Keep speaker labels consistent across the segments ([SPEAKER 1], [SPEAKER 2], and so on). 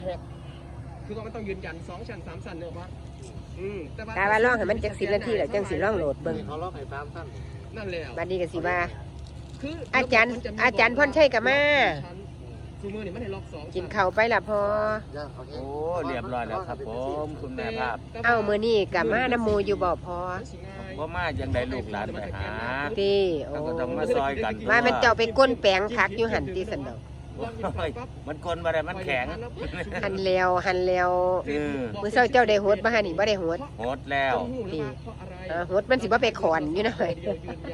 [SPEAKER 1] คือมันต้องยืนยัน2 ชั้น 3 ชั้นเนอะวะ
[SPEAKER 2] แต่ว่าร้องให้มันจัก10 นาทีแล้วจังสิร้องโหลดเบิ่ง
[SPEAKER 3] เขาร้องให้3 ชั้น
[SPEAKER 1] นั่นแหละ
[SPEAKER 2] บัดนี้ก็สิว่าอาจารย์พรชัยก็มา
[SPEAKER 1] ซูมือนี่มันให้ล็อก2
[SPEAKER 2] กินข้าวไปล่ะพอ
[SPEAKER 3] โอ้เรียบร้อยแล้วครับผมคุณแม่ภาพ
[SPEAKER 2] มื้อนี้ก็มาน้ำหมู่อยู่บ่พอ
[SPEAKER 3] บ่มาจังได๋ลูกหลานไปหา
[SPEAKER 2] ติโอ้
[SPEAKER 3] ก็ต้องมาซอยกัน
[SPEAKER 2] ว่ามันเจ้าไปก้นแปลงผักอยู่หั่นติซั่นดอก
[SPEAKER 3] มันคนบ่ได้มันแข็ง
[SPEAKER 2] หันแล้วมื้อเช้าเจ้าได้โหดบ่หั่นนี่บ่ได้โหด
[SPEAKER 3] โหดแล้ว
[SPEAKER 2] โหดมันสิบ่ไปขอนอยู่นะเฮ้ย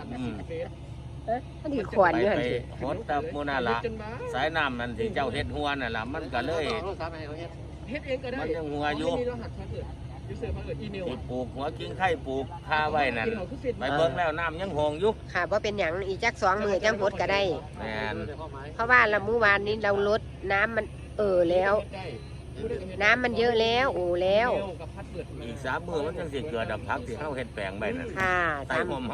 [SPEAKER 2] อันนี้ขอนอยู่หั่นสิ
[SPEAKER 3] โหดตะมูนาละสายน้ำนั่นที่เจ้าเฮ็ดหัวนั่นล่ะมันก็เลย
[SPEAKER 1] เฮ็ดเองก็ได้
[SPEAKER 3] มันยังหัวอยู่ที่ปลูกหัวกิ้งไข่ปลูกคาไว้นั่นไปเบิ่งแล้วน้ำยังหงอยู่
[SPEAKER 2] ค่ะบ่เป็นหยังอีกจัก2 มื้อจังโหดก็ได้
[SPEAKER 3] แม่น
[SPEAKER 2] เพราะว่าละมื้อวานนี้เราลดน้ำมันแล้วน้ำมันเยอะแล้วแล้ว
[SPEAKER 3] อีก3 มื้อมันจังสิเกิดผักที่เฮาเฮ็ดแปลงไว้นั่น
[SPEAKER 2] ค่ะ
[SPEAKER 3] 3 มื้อ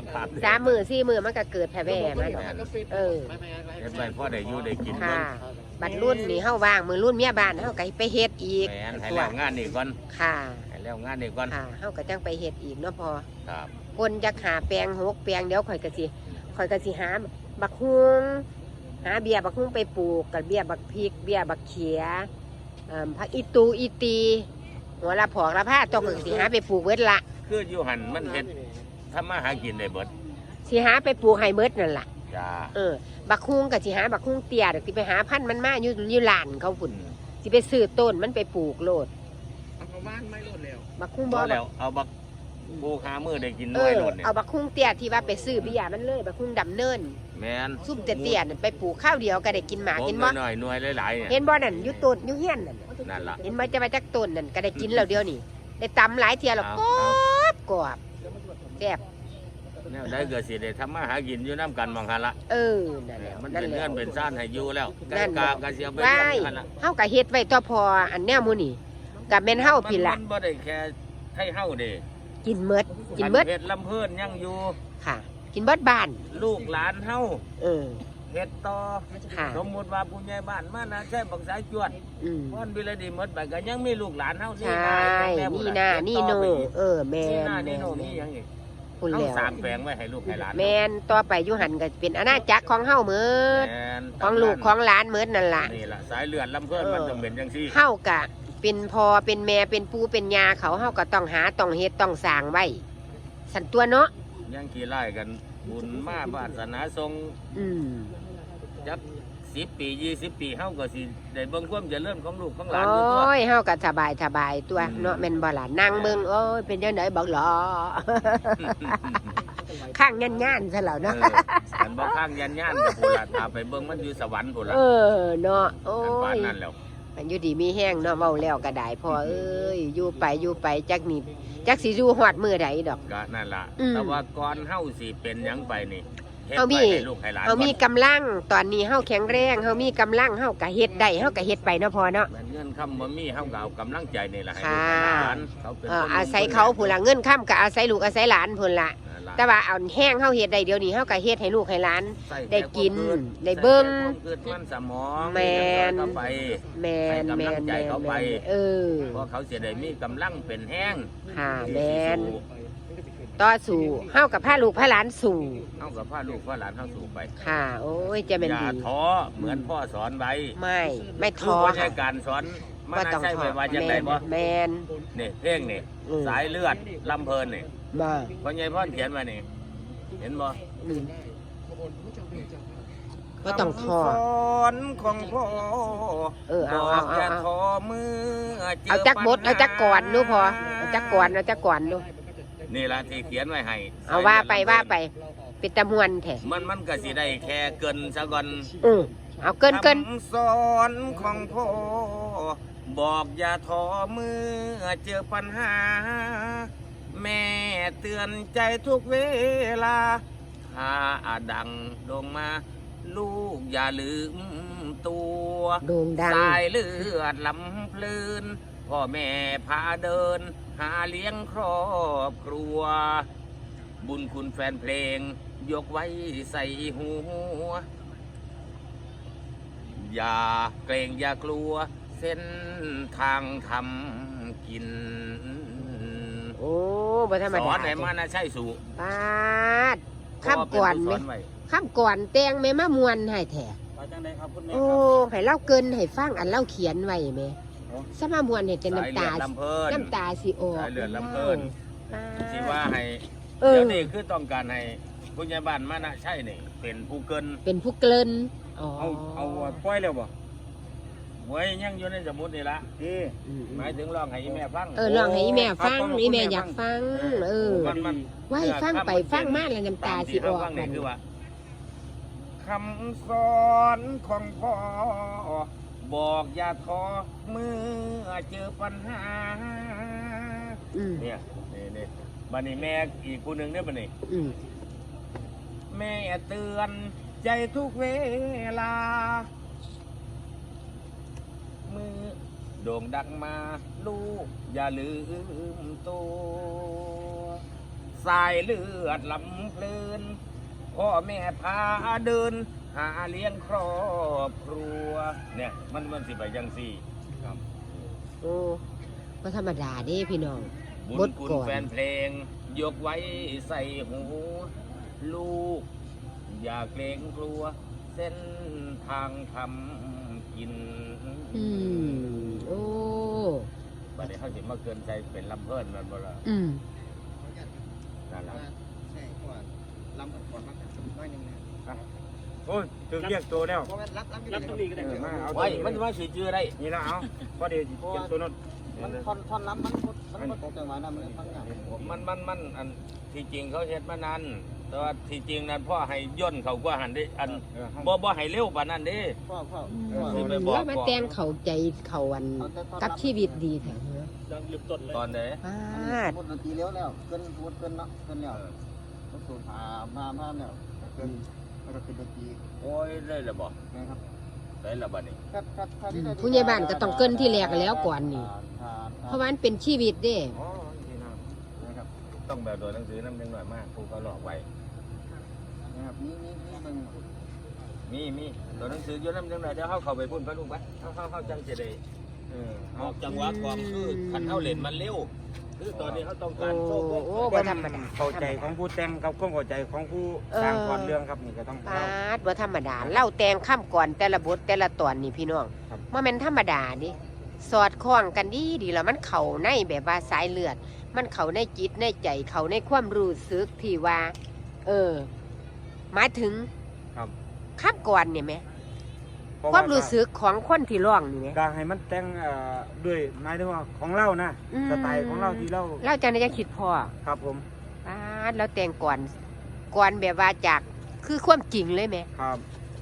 [SPEAKER 2] 4 มื้อมันก็เกิดแผ่แว่มัน
[SPEAKER 3] เฮ็ดไว้พอได้อยู่ได้กิน
[SPEAKER 2] ค่ะบัดรุ่นนี่เฮาว่างมื้อรุ่นเมียบ้านเฮาก็ไปเฮ็ดอีก
[SPEAKER 3] แม่นให้แล้วงานนี่ก่อน
[SPEAKER 2] ค่ะ
[SPEAKER 3] ให้แล้วงานนี่ก่อน
[SPEAKER 2] ค่ะเฮาก็จังไปเฮ็ดอีกเนาะพอ
[SPEAKER 3] ครับ
[SPEAKER 2] คนจักหาแปลง6 แปลงเดี๋ยวข่อยก็สิหาบักฮุงหาเบี้ยบักฮุงไปปลูกกับเบี้ยบักพริกเบี้ยบักเขียผักอีตูอีตีหัวละผอกละผ้าต้องสิหาไปปลูกเบิดละ
[SPEAKER 3] คืออยู่หันมันเฮ็ดทำมาหากินได้เบิด
[SPEAKER 2] สิหาไปปลูกให้เบิดนั่นล่ะ
[SPEAKER 3] จ้า
[SPEAKER 2] บักฮุงก็สิหาบักฮุงเตี้ยเดี๋ยวสิไปหาพันธุ์มันมาอยู่ลานเขาพุ่นสิไปซื้อต้นมันไปปลูกโลด
[SPEAKER 1] เอาบ้านไม่โลดแล้ว
[SPEAKER 2] บักฮุงบ่
[SPEAKER 3] แล้วเอาบักปลูกหามื้อได้กินน้อยโลดเนี่ย
[SPEAKER 2] เอาบักฮุงเตี้ยที่ว่าไปซื้อเบี้ยมันเลยบักฮุงดำเนิน
[SPEAKER 3] แม่น
[SPEAKER 2] ซุ่มเตี้ยๆนั่นไปปลูกข้าวเดียวก็ได้กินหมากกินบ่
[SPEAKER 3] น้อยหน่วยหลายๆ
[SPEAKER 2] เห็นบ่นั่นอยู่ต้นอยู่เฮียน
[SPEAKER 3] นั่นล่ะ
[SPEAKER 2] เห็นบ่จะมาจากต้นนั่นก็ได้กินแล้วเดียวนี่ได้ตำหลายเที่ยแล้วกรอบแซ่บ
[SPEAKER 3] แนวใดก็สิได้ทำมาหากินอยู่นำกันมองหั่นละ
[SPEAKER 2] นั่นแหละ
[SPEAKER 3] มันเป็นเงินเป็นซ่านให้อยู่แล้ว
[SPEAKER 2] นั่น
[SPEAKER 3] กาก็สิเอาไปเลี้ยงหั่นล่ะ
[SPEAKER 2] เฮาก็เฮ็ดไว้ต่อพออันแนวหมู่นี่ก็แม่นเฮาพี่ล่ะ
[SPEAKER 3] มันบ่ได้แค่ให้เฮาเด้
[SPEAKER 2] กินเบิด
[SPEAKER 3] เฮ็ดลำเพิ่นยังอยู่
[SPEAKER 2] ค่ะกินเบิดบ้าน
[SPEAKER 3] ลูกหลานเฮาเฮ็ดต่อ
[SPEAKER 2] ค่ะ
[SPEAKER 3] สมมุติว่าผู้ใหญ่บ้านมานะใช่บักสายจวดม่อนวิรดีหมดไปก็ยังมีลูกหลานเฮา
[SPEAKER 2] นี่นานี่โนแม่น
[SPEAKER 3] นี่โนมีหยังอีก
[SPEAKER 2] พุ่นแล้ว
[SPEAKER 3] สร้างแปลงไว้ให้ลูกให้หลาน
[SPEAKER 2] แม่นต่อไปอยู่หั่นก็เป็นอาณาจักรของเฮาหมดของลูกของหลานหมดนั่นล่ะ
[SPEAKER 3] นี่ล่ะสายเลือดลำเพิ่นมันต้องเป็นจังซี่
[SPEAKER 2] เฮาก็เป็นพ่อเป็นแม่เป็นปู่เป็นย่าเขาเฮาก็ต้องหาต้องเฮ็ดต้องสร้างไว้สั่นตัวเนาะ
[SPEAKER 3] ยังขี้ไล่กันบุญมาศาสนาทรงจัก10 ปี20 ปีเฮาก็สิได้เบิ่งความเจริญของลูกของหลานอยู่ตัว
[SPEAKER 2] โอ้ยเฮาก็สบายตัวเนาะแม่นบ่ล่ะนั่งเบิ่งโอ้ยเป็นจังได๋บักหลอข้างยันๆซะแล้วเนาะ
[SPEAKER 3] มันบ่ข้างยันๆก็พุ่นล่ะถ้าไปเบิ่งมันอยู่สวรรค์พุ่นล่ะ
[SPEAKER 2] เนาะโอ้
[SPEAKER 3] ยนั่นแล้ว
[SPEAKER 2] มันอยู่ดีมีแห้งเนาะเว้าแล้วก็ได้พ่อเอ้ยอยู่ไปจักนี่จักสิอยู่ฮอดมื้อใดดอก
[SPEAKER 3] ก็นั่นล่ะแต่ว่าก่อนเฮาสิเป็นหยังไปนี่
[SPEAKER 2] เฮามีกำลังตอนนี้เฮาแข็งแรงเฮามีกำลังเฮาก็เฮ็ดได้เฮาก็เฮ็ดไปเนาะพ่อเนาะ
[SPEAKER 3] เงินค่ำบ่มีเฮาก็เอากำลังใจนี่ล่ะให้
[SPEAKER 2] ลูกหลานเขาเป็นอาศัยเขาพุ่นล่ะเงินค่ำก็อาศัยลูกอาศัยหลานพุ่นล่ะแต่ว่าเอาแห้งเฮาเฮ็ดได้เดี๋ยวนี้เฮาก็เฮ็ดให้ลูกให้หลานได้กินได้เบิ่ง
[SPEAKER 3] เกิดมันสมอง
[SPEAKER 2] แม่น
[SPEAKER 3] เขาไปเพราะเขาสิได้มีกำลังเป็นแห้ง
[SPEAKER 2] ค่ะแม่นต่อสู่เฮากับพาลูกพาหลานสู่
[SPEAKER 3] เฮากับพาลูกพาหลานเฮาสู่ไป
[SPEAKER 2] ค่ะโอ้ยจะเป็นดี
[SPEAKER 3] อย่าท้อเหมือนพ่อสอนไว้
[SPEAKER 2] ไม่ท้อ
[SPEAKER 3] ค่ะการสอนมันใช่ไว้ว่าจังได๋บ่
[SPEAKER 2] แม่น
[SPEAKER 3] นี่เพลงนี่สายเลือดลำเพลินนี่พ่อใหญ่พ่อเขียนไว้นี่เห็นบ่
[SPEAKER 2] ก็ต้องท้อ
[SPEAKER 3] สอนของพ่อบอกอย่าท้อมือ
[SPEAKER 2] เอาจักบดเอาจักก่อนดูพอเอาจักก่อนดู
[SPEAKER 3] นี่ละที่เขียนไว้ให้
[SPEAKER 2] เอาว่าไปเป็นตะมวนแท้
[SPEAKER 3] มันก็สิได้แค่เกินซะก่อน
[SPEAKER 2] เอาเกิน
[SPEAKER 3] สอนของพ่อบอกอย่าท้อมือเจอปัญหาแม่เตือนใจทุกเวลาถ้าดังลงมาลูกอย่าลืมตัวสายเลือดลำเพลินพ่อแม่พาเดินหาเลี้ยงครอบครัวบุญคุณแฟนเพลงยกไว้ใส่หัวอย่าเกรงอย่ากลัวแสส้นทางทำกิน
[SPEAKER 2] โอ้บ่ธรรม
[SPEAKER 3] ส
[SPEAKER 2] ดา
[SPEAKER 3] อนให้มันนะใช่สู่
[SPEAKER 2] ปาดข้ามก่อนไหม
[SPEAKER 3] ไว้
[SPEAKER 2] ข้ามก่อนแตงแม่มามวนให้แท้
[SPEAKER 3] ว่าจังไดครับคุณแม่
[SPEAKER 2] โอ้
[SPEAKER 3] ครับ
[SPEAKER 2] ให้เล่าเกินให้ฟังอันเล่าเขียนไว้แม่สมามวนให้แต่
[SPEAKER 3] สาย
[SPEAKER 2] น้ำ
[SPEAKER 3] เลื
[SPEAKER 2] ตา
[SPEAKER 3] อดลำเพิ่น
[SPEAKER 2] น้ำตาสิออก
[SPEAKER 3] สายเลือดลำเพิ่น
[SPEAKER 2] ปาด
[SPEAKER 3] สิว่าให้
[SPEAKER 2] เออ
[SPEAKER 3] เดี๋ยวนี้คือต้องการให้ผู้ใหญ่บ้านมานะใช่นี่เป็นผู้เกิน
[SPEAKER 2] เป็นผู้เกินอ๋อ
[SPEAKER 3] เอาปล่อยแล้วบ่ไว้ยังอยู่ในสมุดนี่ละ
[SPEAKER 2] อืม
[SPEAKER 3] หมายถึงร้องให้อีแม่ฟัง
[SPEAKER 2] ลองให้อีแม่ฟังอีแม่อยากฟัง เออ
[SPEAKER 3] มัน
[SPEAKER 2] ว่าให้ฟังไปฟังมาแล้วน้ำตาสิออก
[SPEAKER 3] ฟัง
[SPEAKER 2] มั
[SPEAKER 3] นี่
[SPEAKER 2] น
[SPEAKER 3] คือว่าคำสอนของพ่อบอกอย่าท้อเมื่อเจอปัญหา
[SPEAKER 2] อืม
[SPEAKER 3] เนี่ยนี่บัดนี้แม่อีกคนหนึ่งเนี่ยบัดนี้
[SPEAKER 2] อืม
[SPEAKER 3] แม่เตือนใจทุกเวลา มือโด่งดังมาลูกอย่าลืมตัวสายเลือดลำเพลินพ่อแม่พาเดิน หาเลี้ยงครอบครัว เนี่ยมันสิไปยังสี่ครับ
[SPEAKER 2] โอ้ก็ธรรมดาเด้พี่น้อง
[SPEAKER 3] บุญ
[SPEAKER 2] บท
[SPEAKER 3] คุณ
[SPEAKER 2] ก่อน
[SPEAKER 3] แฟนเพลง ยกไว้ใส่หูลูก อย่าเกรงกลัว เส้นทางทำกิน
[SPEAKER 2] อืมโอ้
[SPEAKER 3] บัดนี้เขาสิมาเกินใจเป็นลำเพิ่นแมันบ่ล่ะ
[SPEAKER 2] อืม
[SPEAKER 3] นั่นล่ะ
[SPEAKER 1] ใช่ก่อนลำก่อนมากน้อยนึงนะ
[SPEAKER 4] โอ้ยถึงเรียกตัวแล้ว
[SPEAKER 1] เพราะว่ารับตรงนี้ก็ได้
[SPEAKER 4] มาเอา
[SPEAKER 3] ไว้มันว่าสิชื่ออะไร
[SPEAKER 4] นี่ละเอาพอดีเก็บตัวนั้น
[SPEAKER 1] มันท่อนล้ำมันตกจังหวะนั้นมันฟังยาก
[SPEAKER 3] มันอันที่จริงเขาเฮ็ดมานานแต่ว่าที่จริงนั้นพ่อให้ย่นเขากว่าหันเด้อันบ่ให้เร็วปานนั้นเด้
[SPEAKER 1] พ่อ
[SPEAKER 2] ว่ามาแต่งเข้าใจเขาอันกับชีวิตดีแท้เนอะ
[SPEAKER 3] ตอนไหน
[SPEAKER 2] ปาด
[SPEAKER 1] พูดดนตรีเลี้ยวแล้วเกินพูดเกินเนาะเกินแล้วมันสูญมาแล้วเกินแล้วก็เป็นดนตรี
[SPEAKER 3] โอ้ยได้แล้วบ่
[SPEAKER 1] นะครับ
[SPEAKER 3] ได้แล้วบัดนี้
[SPEAKER 2] ผู้ใหญ่บ้านก็ต้องเกินที่แรกแล้วก่อนนี่เพราะว่ามันเป็นชีวิตเด้
[SPEAKER 3] อ๋อนี่นะ
[SPEAKER 1] นะครับ
[SPEAKER 3] ต้องแบบโดยหนังสือนำจังหน่อยมากครูเขาหลอกไว้
[SPEAKER 1] นะครับนี่มึง
[SPEAKER 3] มีตัวหนังสืออยู่นำจังหน่อยเดี๋ยวเขาเข้าไปพุ่นพระลุงไปเขาจังสิได้ออกจังหวะความคือคันเฮาเล่นมันเร็วคือตอนนี้เขาต้อง
[SPEAKER 2] โอ้
[SPEAKER 3] การโชว์พวก
[SPEAKER 2] โอ้บ่ธรรมดา
[SPEAKER 4] เข้าใจของผู้แต่งกับความเข้าใจของผู้สร้างก่อนเรื่องครับนี่ก็ต้อง
[SPEAKER 2] ปาดบ่ธรรมดาเล่าแต่งข้ามก่อนแต่ละบทแต่ละตอนนี่พี่น้อง
[SPEAKER 4] ครับ
[SPEAKER 2] ว่ามันธรรมดาดิสอดคล้องกันดีแล้วมันเข้าในแบบว่าสายเลือด มันเข้าในจิตในใจเข้าในความรู้สึกที่ว่า หมายถึง
[SPEAKER 4] ครับ
[SPEAKER 2] ข้ามก่อนเนี่ยไหม
[SPEAKER 4] เพราะ
[SPEAKER 2] ความรู้สึกของคนที่ร้องนี่ไหม
[SPEAKER 4] การให้มันแต่งด้วยหมายถึงว่าของเรานะ
[SPEAKER 2] อืม
[SPEAKER 4] สไตล์ของเราที่เรา
[SPEAKER 2] เล่าจังได้ยังคิดพอ
[SPEAKER 4] ครับผม
[SPEAKER 2] ปาดแล้วแต่งก่อนแบบว่าจากคือความจริงเลยไหม
[SPEAKER 4] ครับ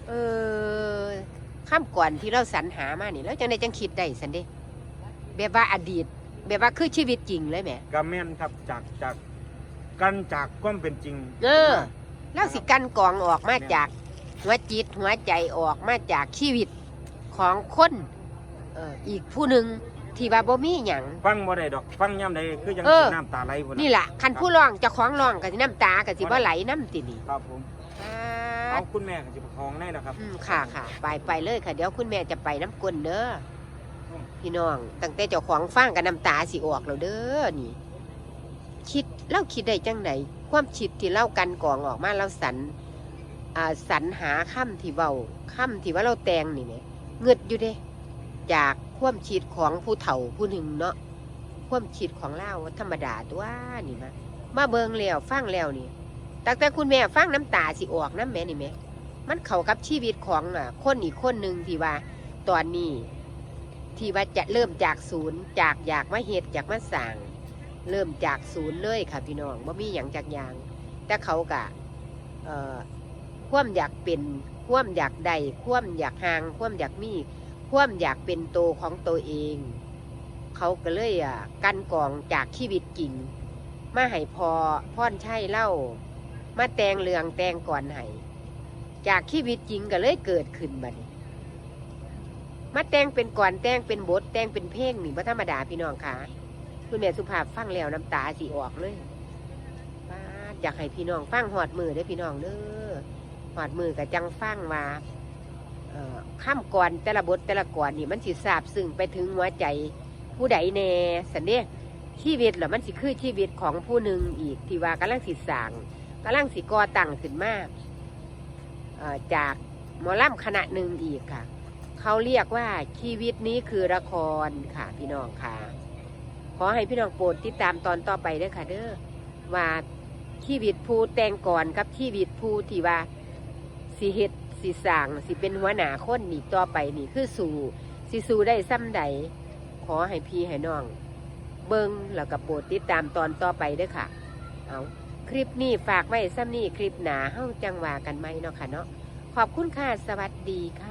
[SPEAKER 2] ข้ามก่อนที่เราสรรหามานี่แล้วจังได้จังคิดได้สันเด้แบบว่าอดีต แบบว่าคือชีวิตจริงเลยไหม
[SPEAKER 4] กาแม่นครับจากความเป็นจริง
[SPEAKER 2] แล้วสิกันกรองออกมาจากหัวจิตหัวใจออกมาจากชีวิตของคนอีกผู้หนึ่งที่ว่าบ่มีหยัง
[SPEAKER 4] ฟังบ่ได้ดอกฟังย่ำใดคือยัง
[SPEAKER 2] เออ
[SPEAKER 4] น้ำตาไหลพุ่น
[SPEAKER 2] นี่
[SPEAKER 4] น่ะ
[SPEAKER 2] แหละคันผู้ร้องเจะคล้าของร้องกับน้ำตากับสิบ่ไหลน้ำตินี่
[SPEAKER 4] ครับผมเอาคุณแม่กับจิบคองได้นะครับ
[SPEAKER 2] ค่ะไปเลยค่ะเดี๋ยวคุณแม่จะไปน้ำกลนเด้อพี่น้องตั้งแต่เจ้าของฟังกับน้ำตาสิออกแล้วเด้อนี่เล่าคิดได้จังไหนความคิดที่เล่ากันกรองออกมาเราสรรหาค่ำที่ว่าเราแต่งนี่เนี่ยเงืดอยู่เด้จากความคิดของผู้เฒ่าผู้หนึ่งเนาะความคิดของเล่าธรรมดาตัวนี่มาเบิงแล้วฟังแล้วนี่ตั้งแต่คุณแม่ฟังน้ำตาสิออกน้ำแม่นี่แม่มันเข้ากับชีวิตของคนอีกคนหนึ่งที่ว่าตอนนี้ที่ว่าจะเริ่มจากศูนย์จากอยากมาเฮ็ดอยากมาสร้างเริ่มจากศูนย์เลยค่ะพี่น้องบ่มีหยังจากอย่างแต่เขากะความอยากเป็นความอยากได้ความอยากห่างความอยากมีความอยากเป็นโตของตัวเอง เขาก็เลยกันกองจากชีวิตจริงมาให้พ่อนใช่เล่ามาแต่งเรื่องแต่งก่อนให้จากชีวิตจริงก็เลยเกิดขึ้นบัดนี้มาแต่งเป็นก่อนแต่งเป็นบทแต่งเป็นเพลงนี่บ่ธรรมดาพี่น้องค่ะคุณแม่สุภาพฟังแล้วน้ำตาสิออกเลยอยากให้พี่น้องฟังหอดมือเด้อพี่น้องเด้อหอดมือกับจังฟังว่าข้ามก่อนแต่ละบทแต่ละก่อนนี่มันสิซาบซึ้งไปถึงหัวใจผู้ใดแน่สันเด้ชีวิตเหรอมันสิคือชีวิตของผู้หนึ่งอีกที่ว่ากำลังสิสร้างกำลังสิก่อตั้งขึ้นมาจากหมอลำคณะหนึ่งอีกค่ะเขาเรียกว่าชีวิตนี้คือละครค่ะพี่น้องค่ะขอให้พี่น้องโปรดติดตามตอนต่อไปด้วยค่ะเด้อว่าชีวิตผู้แต่งก่อนกับชีวิตผู้ที่ว่าสิเฮ็ดสิสร้างสิเป็นหัวหน้าคนนี่ต่อไปนี่คือสู่ได้ซ้ำใดขอให้พี่ให้น้องเบิ่งแล้วก็โปรดติดตามตอนต่อไปด้วยค่ะเอาคลิปนี้ฝากไว้ซ้ำนี่คลิปหนาเฮ้าจังว่ากันไหมเนาะค่ะเนาะขอบคุณค่ะสวัสดีค่ะ